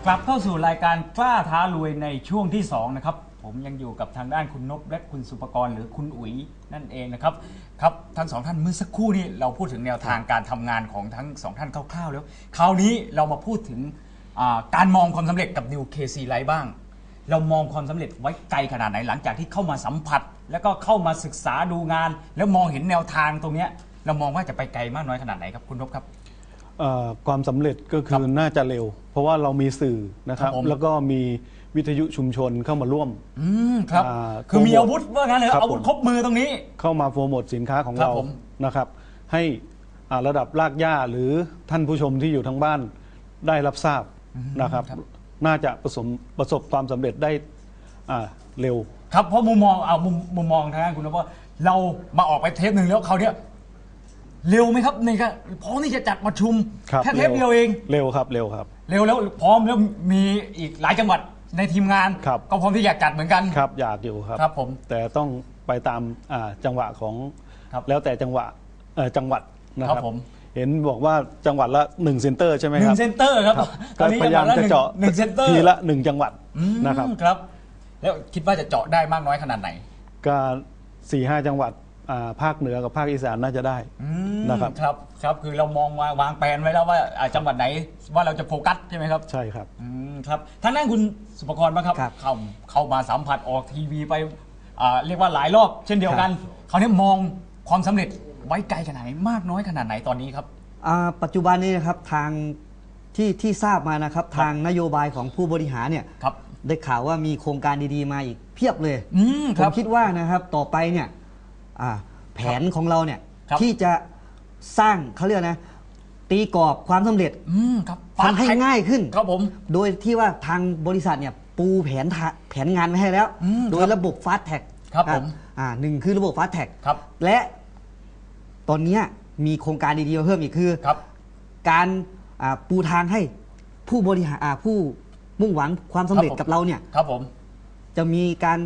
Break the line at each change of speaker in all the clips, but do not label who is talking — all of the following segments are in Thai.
กลับเข้าสู่รายการกล้าท้ารวยในช่วงที่2นะครับผมยังอยู่กับทางด้านคุณนพและคุณสุภกรหรือคุณอุ๋ยนั่นเองนะครับครับทั้งสองท่านเมื่อสักครู่นี้เราพูดถึงแนวทางการทำงานของทั้งสองท่านคร่าวๆแล้วคราวนี้เรามาพูดถึงการมองความสำเร็จกับ New KC Life บ้างเรามองความสำเร็จไว้ไกลขนาดไหนหลังจากที่เข้ามาสัมผัสแล้วก็เข้ามาศึกษาดูงานแล้วมองเห็นแนวทางตรงนี้เรามองว่าจะไปไกลมากน้อยขนาดไหนครับคุณนพครับ
ความสำเร็จก็คือน่าจะเร็วเพราะว่าเรามีสื่อนะครับแล้วก็มีวิทยุชุมชนเข้ามาร่วม
ครับคือมีอาวุธว่างั้นเลยอาวุธครบมือตรงนี้
เข้ามาโปรโมทสินค้าของเรานะครับให้ระดับรากหญ้าหรือท่านผู้ชมที่อยู่ทั้งบ้านได้รับทราบนะครับน่าจะประสบความสำเร็จได้เร็ว
ครับเพราะมุมมองทางด้านคุณนพว่าเรามาออกไปเทปหนึ่งแล้วเขาเนี่ยเร็วไหมครับในการพร้อมที่จะจัดประชุมแค่เทปเดียวเอง
เร็วครับเร็วครับ
เร็วแล้วพร้อมแล้วมีอีกหลายจังหวัดในทีมงานก็พร้อมที่อยากจัดเหมือนกัน
ครับอยากอยู่ครับ
ผม
แต่ต้องไปตามจังหวะของแล้วแต่จังหวัดนะครับเห็นบอกว่าจังหวัดละ1เซ็นเตอร์ใช่ไหมครับ
1เซ็นเตอร์ครับ
ตอนนี้พยายามจะเจาะ
1เซ็นเตอร์
ทีละ1จังหวัดนะครับ
ครับแล้วคิดว่าจะเจาะได้มากน้อยขนาดไหน
ก็4-5 จังหวัดภาคเหนือกับภาคอีสานน่าจะได้นะครับ
ครับคือเรามองวางแผนไว้แล้วว่าจังหวัดไหนว่าเราจะโฟกัสใช่ไหมครับ
ใช่ครับ
ครับทางด้านคุณสุภกรบ้างครับเข้ามาสัมผัสออกทีวีไปเรียกว่าหลายรอบเช่นเดียวกันเขาเนี่ยมองความสำเร็จไว้ไกลขนาดไหนมากน้อยขนาดไหนตอนนี้ครับ
ปัจจุบันนี้นะครับทางที่ทราบมานะครับทางนโยบายของผู้บริหารเนี่ยได้ข่าวว่ามีโครงการดีๆมาอีกเพียบเลยผมคิดว่านะครับต่อไปเนี่ยแผนของเราเนี่ยที่จะสร้างเขาเรียกนะตีกรอบความสำเร็จทำให้ง่ายขึ้น
ครับผม
โดยที่ว่าทางบริษัทเนี่ยปูแผนงานไว้ให้แล้วโดยระบบฟาสต์แท็ก
ครับผม
หนึ่งคือระบบฟาสต์แท็กและตอนนี้มีโครงการดีๆมาเพิ่มอีกคือการปูทางให้ผู้บริหารผู้มุ่งหวังความสำเร็จกับเราเนี่ย
ครับผม
จะมีการ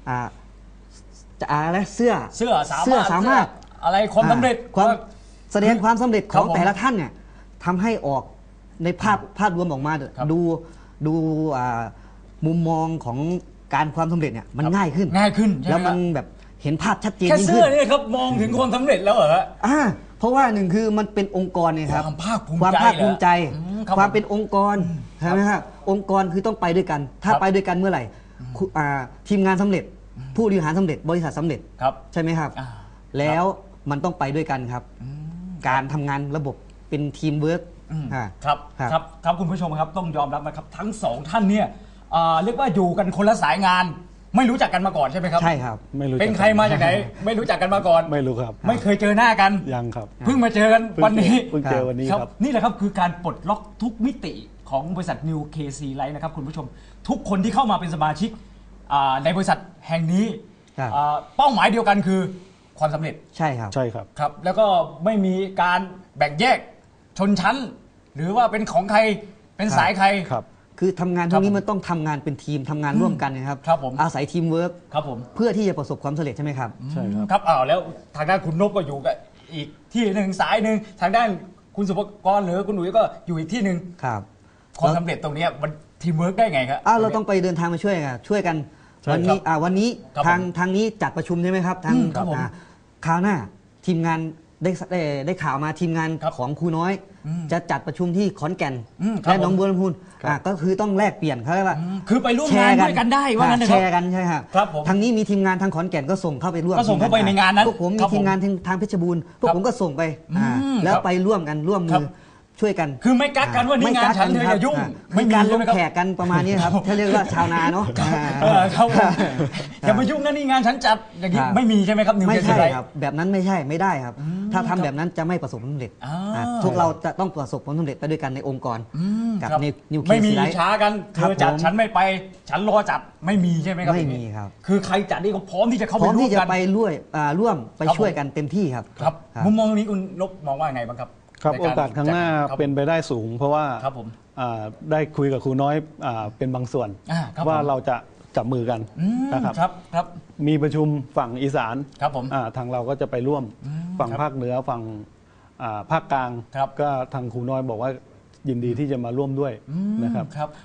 อะไรเสื้อสามารถ
อะไรความสำเร็จ
ความแสดงความสำเร็จของแต่ละท่านเนี่ยทำให้ออกในภาพรวมออกมาดูมุมมองของการความสำเร็จเนี่ยมันง่ายขึ้นแล้วมันแบบเห็นภาพชัดเจนยิ่งขึ้น
แค่เสื้อนี่ครับมองถึงความสำเร็จแล้วเหรอ
เพราะว่าหนึ่งคือมันเป็นองค์กรเนี่ยครับ
ความภาคภู
มิใจความเป็นองค์กรใช่ไหมครับองค์กรคือต้องไปด้วยกันถ้าไปด้วยกันเมื่อไหร่ทีมงานสำเร็จผู้บริหารสำเร็จบริษัทสำเร็จใช่ไหมครับแล้วมันต้องไปด้วยกันครับการทำงานระบบเป็นทีมเวิร์ก
ครับคุณผู้ชมครับต้องยอมรับนะครับทั้งสองท่านเนี่ยเรียกว่าอยู่กันคนละสายงานไม่รู้จักกันมาก่อนใช่ไหมครับ
ใช่ครับ
ไม่รู้
เป็นใครมาจากไหนไม่รู้จักกันมาก่อน
ไม่รู้ครับ
ไม่เคยเจอหน้ากัน
ยังครับ
เพิ่งมาเจอกันวันนี้
เพิ่งเจอวันนี้ครับ
นี่แหละครับคือการปลดล็อกทุกมิติของบริษัท New KC Life นะครับคุณผู้ชมทุกคนที่เข้ามาเป็นสมาชิกในบริษัทแห่งนี้เป้าหมายเดียวกันคือความสำเร็จ
ใช่ครับ
ครับแล้วก็ไม่มีการแบ่งแยกชนชั้นหรือว่าเป็นของใครเป็นสายใคร
คือทำงานทุกนี้มันต้องทำงานเป็นทีมทำงานร่วมกันนะครับอาศัยทีมเวิร์กเพื่อที่จะประสบความสำเร็จใช่ไหมครับ
ใช่ครับ
ครับแล้วทางด้านคุณนพก็อยู่กับอีกที่หนึ่งสายหนึ่งทางด้านคุณสุภกรหรือคุณหนุ่ยก็อยู่อีกที่หนึ่ง
ครับ
ความสำเร็จตรงนี้มันทีมเวิร์กได้ไงครับ
เราต้องไปเดินทางมาช่วยกันวันนี้ทางนี้จัดประชุมใช่ไหมครับทางคราวหน้าทีมงานได้ข่าวมาทีมงานของครูน้อยจะจัดประชุมที่ขอนแก่นและหนองบัวลำพูก็คือต้องแลกเปลี่ยนเขาเรียกว่า
คือไปร่วมงานด้วยกันได้ว่างั้น
แชร์กันใช่ครับทางนี้มีทีมงานทางขอนแก่นก็ส่งเข้าไปร่วม
ก็ส่งเข้าไปในงานนั้น
พวกผมมีทีมงานทางเพชรบูรณ์พวกผมก็ส่งไปแล้วไปร่วมมือช่วยกัน
คือไม่กักกันว่านี่งานฉันเธออย่ายุ่ง
ไม่การลงแขกกันประมาณนี้ครับถ้าเรียกว่าชาวนาเนาะ
ครับอย่ามายุ่งนะนี่งานฉันจัดอย่างนี้ไม่มีใช่ไหมครับ
ไม่ใช่ครับแบบนั้นไม่ได้ครับถ้าทำแบบนั้นจะไม่ประสบความสำเร็จพวกเราจะต้องประสบความสำเร็จไปด้วยกันในองค์กรกับในนิวเคลียร์
ไม่มีช้ากันเธอจัดฉันไม่ไปฉันรอจัดไม่มีใช่ไหมครับ
ไม่มีครับ
คือใครจัดนี่ก็พร้อมที่จะเข้าไปร่วมกัน
พร้อมที่จะไปร่วมไปช่วยกันเต็มที่ครับ
มุมมองนี้คุณนพมองว่าไงบ้างครับ
ครับโอกาสข้างหน้าเป็นไปได้สูงเพราะว่าได้คุยกับครูน้อยเป็นบางส่วนว่าเราจะจับมือกัน
นะครับ
มีประชุมฝั่งอีสาน
ครับผม
ทางเราก็จะไปร่วมฝั่งภาคเหนือฝั่งภาคกลางก็ทางครูน้อยบอกว่ายินดีที่จะมาร่วมด้วยนะครับ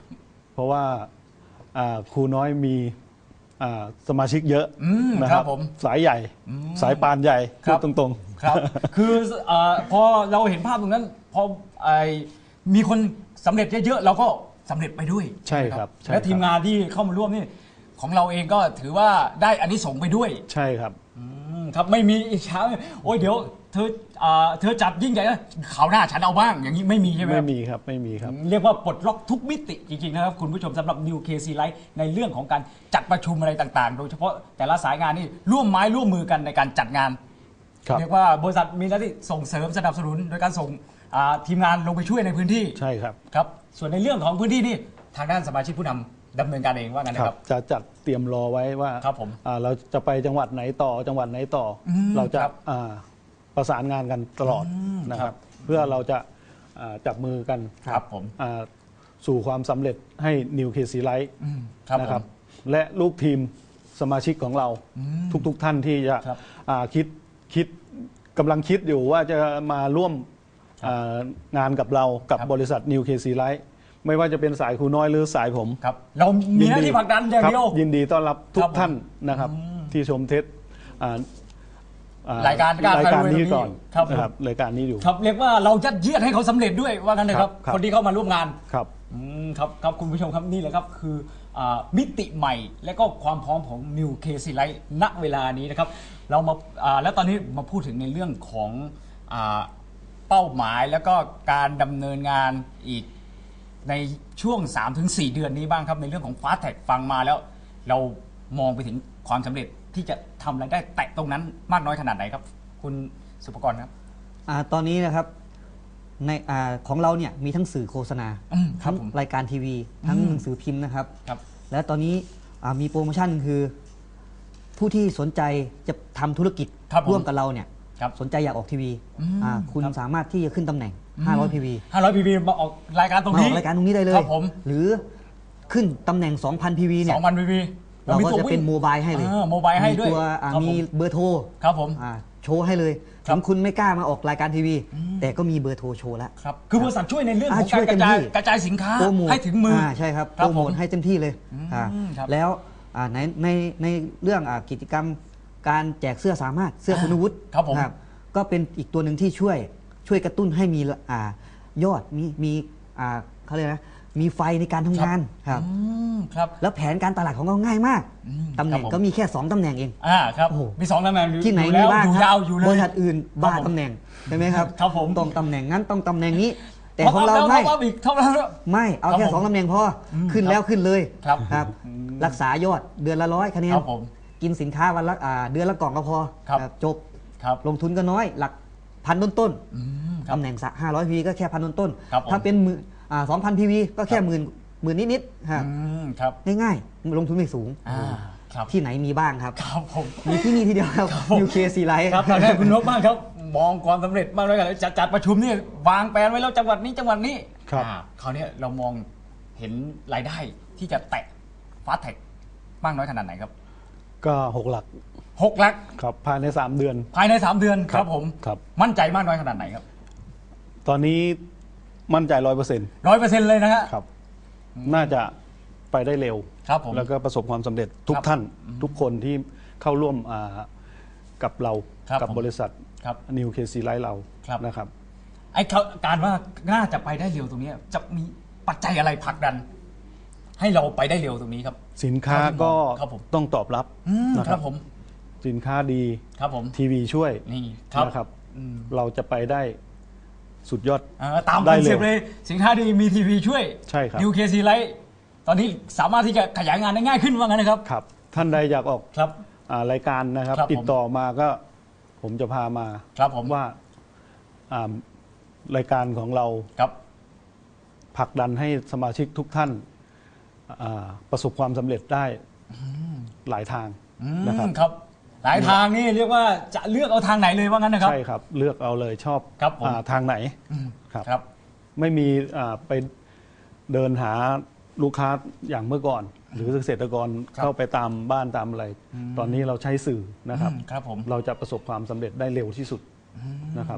เพราะว่าครูน้อยมีสมาชิกเยอะนะครับผมสายใหญ่สายปานใหญ่พูดตรงๆ
ครับคือพอเราเห็นภาพตรงนั้นพอมีคนสำเร็จเยอะๆเราก็สำเร็จไปด้วย
ใช่ครับ
และทีมงานที่เข้ามาร่วมนี่ของเราเองก็ถือว่าได้อานิสงส์ไปด้วย
ใช่ครับ
ครับไม่มีอิจฉาโอ้ยเดี๋ยวเธอจัดยิ่งใหญ่นะคราวหน้าฉันเอาบ้างอย่างนี้ไม่มีใช่ไหม
ไม่มีครับไม่มีครับ
เรียกว่าปลดล็อกทุกมิติจริงๆนะครับคุณผู้ชมสำหรับ New KC Live ในเรื่องของการจัดประชุมอะไรต่างๆ โดยเฉพาะแต่ละสายงานนี่ร่วมไม้ร่วมมือกันในการจัดงานเรียกว่าบริษัทมีหน้าที่ส่งเสริมสนับสนุนโดยการส่งทีมงานลงไปช่วยในพื้นที่
ใช่ครับ
ครับส่วนในเรื่องของพื้นที่นี่ทางด้านสมาชิกผู้นำดำเนินการเองว่างั้นนะครับ
จะจัดเตรียมรอไว้ว่าเราจะไปจังหวัดไหนต่อจังหวัดไหนต่อเราจะประสานงานกันตลอดนะครับเพื่อเราจะจับมือกัน
ครับผม
สู่ความสำเร็จให้ New KC Live นะครับและลูกทีมสมาชิกของเราทุกท่านที่จะคิดกำลังคิดอยู่ว่าจะมาร่วมงานกับเรากับบริษัท New KC Live ไม่ว่าจะเป็นสายครูน้อยหรือสายผม
ครับเรามีหน้าที่ผลักดันอย่างเดียว
ยินดีต้อนรับทุกท่านนะครับที่ชมเทส
รายการ
นี้ก่อนครับรายการนี้อยู่
ครับเรียกว่าเรายัดเยียดให้เขาสำเร็จด้วยว่างั้นนะครับคนที่เข้ามาร่วมงาน
ครับ
ครับคุณผู้ชมครับนี่แหละครับคือมิติใหม่และก็ความพร้อมของ New KC Live ณเวลานี้นะครับเรามาแล้วตอนนี้มาพูดถึงในเรื่องของเป้าหมายแล้วก็การดำเนินงานอีกในช่วง 3-4 เดือนนี้บ้างครับในเรื่องของ Fast Tag ฟังมาแล้วเรามองไปถึงความสำเร็จที่จะทำรายได้แตะตรงนั้นมากน้อยขนาดไหนครับคุณสุภกรครับ
ตอนนี้นะครับในของเราเนี่ยมีทั้งสื่อโฆษณาทั้งรายการทีวีทั้งหนังสือพิมพ์นะครับและตอนนี้มีโปรโมชั่นคือผู้ที่สนใจจะทำธุรกิจร่วมกับเราเนี่ยสนใจอยากออกทีวีคุณสามารถที่จะขึ้นตำแหน่ง500 PV
มาออกรายการตรงนี้
รายการตรงนี้ได้เลยหรือขึ้นตำแหน่ง 2,000 PV เนี่ย
2,000 PV
เราก็จะเป็นโมบายให้เลย
โมบายให้ด้วย
มีเบอร์โทร
ครับผม
โชว์ให้เลยถึงคุณไม่กล้ามาออกรายการทีวีแต่ก็มีเบอร์โทรโชว์แล้ว
ครับคือบริษัทช่วยในเรื่องของการกระจายสินค้าให้ถึงมือ
ใช่ครับโปรโมทให้เต็มที่เลยแล้วในเรื่องกิจกรรมการแจกเสื้อสามารถเสื้อคุณวุฒิก็เป็นอีกตัวหนึ่งที่ช่วยกระตุ้นให้มียอดมีเขาเรียกนะมีไฟในการทำงานครับแล้วแผนการตลาดของเราง่ายมากตำแหน่งก็มีแค่2ตำแหน่งเอง
ครับมี2ตำแหน่ง
ที่ไหนมีบ้างครับบริษัทอื่นบ้าตำแหน่งใช่ไหมครับต้องตำแหน่งนั้นต้องตำแหน่งนี้แต่ของเราไม่เอาแค่2ตำแหน่งพอขึ้นแล้วขึ้นเลยครับรักษายอดเดือนละ100คะแนนกินสินค้าวันละเดือนละกล่องก็พอจบลงทุนก็น้อยหลักพันต้นตำแหน่ง500 PV ก็แค่พันต้นถ้าเป็น2,000 PV ก็แค่หมื่นนิดๆครับง่ายๆลงทุนไม่สูงที่ไหนมีบ้างครับมีที่นี่ทีเดียวครับ New KC Live
ครับตอนนี้คุณนพบ้างครับมองความสำเร็จบ้างเลยกันจัดประชุมนี่วางแผนไว้แล้วจังหวัดนี้คราวนี้เรามองเห็นรายได้ที่จะแตะ Fast Tag มากน้อยขนาดไหนครับ
ก็6 หลักครับภายใน3 เดือน
ครับผมมั่นใจมากน้อยขนาดไหนครับ
ตอนนี้มั่นใจ
100% เลย
นะครับน่าจะไปได้เร็วแล้วก็ประสบความสำเร็จทุกท่านทุกคนที่เข้าร่วมกับเรากับบริษัท New KC Live เรานะครับ
ไอ้การว่าน่าจะไปได้เร็วตรงนี้จะมีปัจจัยอะไรผลักดันให้เราไปได้เร็วตรงนี้ครับ
สินค้าก็ต้องตอบรับ
นะครับผม
สินค้าดี
ครับผม
ทีวีช่วย
นี่
นะครับเราจะไปได้สุดยอด
ตามคอนเซ็ปต์เลยสินค้าดีมีทีวีช่วย
ใช่ครับ
New KC Live ตอนนี้สามารถที่จะขยายงานได้ง่ายขึ้นว่างั้นนะครับ
ครับท่านใดอยากออกรายการนะครับติดต่อมาก็ผมจะพามา
ผม
ว่ารายการของเราผลักดันให้สมาชิกทุกท่านประสบความสำเร็จได้หลายทาง
นะครับหลายทางนี่เรียกว่าจะเลือกเอาทางไหนเลยว่างั้นนะครับ
ใช่ครับเลือกเอาเลยชอบทางไหน
ครับ
ไม่มีไปเดินหาลูกค้าอย่างเมื่อก่อนหรือเกษตรกรเข้าไปตามบ้านตามอะไรตอนนี้เราใช้สื่อนะครับเราจะประสบความสำเร็จได้เร็วที่สุดนะครับ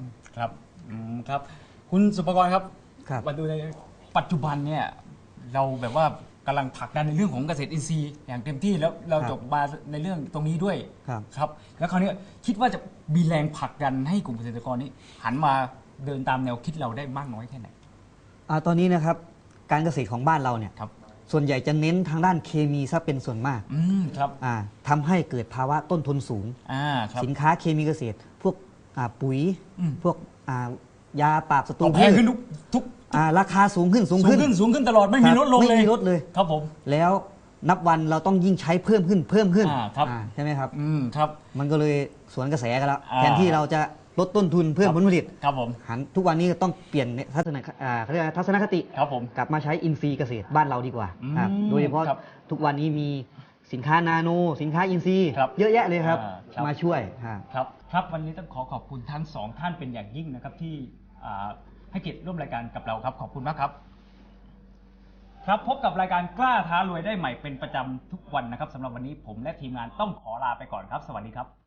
ครับคุณสุภกรครับมาดูในปัจจุบันเนี่ยเราแบบว่ากำลังผลักดันในเรื่องของเกษตรอินทรีย์อย่างเต็มที่แล้วเรา
ครับ
จบมาในเรื่องตรงนี้ด้วย
ครับ
ครับแล้วคราวนี้คิดว่าจะมีแรงผลักดันให้กลุ่มเกษตรกรนี้หันมาเดินตามแนวคิดเราได้มากน้อยแค่ไหน
ตอนนี้นะครับการเกษตรของบ้านเราเนี่ย
ครับ
ส่วนใหญ่จะเน้นทางด้านเคมีซะเป็นส่วนมาก
ครับ
ทำให้เกิดภาวะต้นทุนสูง
ครับ
สินค้าเคมีเกษตร พวกปุ๋ย พวกยาปราบศัตรู
แพ
พื
ง
ช
ขึ้นทุก
ราคาสูงขึ้น
สูงขึ้นตลอดไม่มี
ครับ
ลดลงเลย
ไม่มีลดเลย
ครับผม
แล้วนับวันเราต้องยิ่งใช้เพิ่มขึ้น
ครับ
ใช่ไหมครับ
ครับ
มันก็เลยสวนกระแสกันแล้ว
อ่า
แทนที่เราจะลดต้นทุนเพิ่มผลผลิต
ครับผม
หันทุกวันนี้ต้องเปลี่ยนเขาเรียกอะไรทัศนคติ
ครับผม
กลับมาใช้อินทรีย์เกษตรบ้านเราดีกว่า ครับ โดยเฉพาะ
ครับ
ทุกวันนี้มีสินค้านาโน สินค้าอินทรีย์
ครับ
เยอะแยะเลยครับ
ครับ
มาช่วย
ครับวันนี้ต้องขอบคุณทั้งสองท่านเป็นอย่างยิ่งนะครับที่ให้เกียรติร่วมรายการกับเราครับขอบคุณมากครับ ครับพบกับรายการกล้าท้ารวยได้ใหม่เป็นประจำทุกวันนะครับสำหรับวันนี้ผมและทีมงานต้องขอลาไปก่อนครับ สวัสดีครับ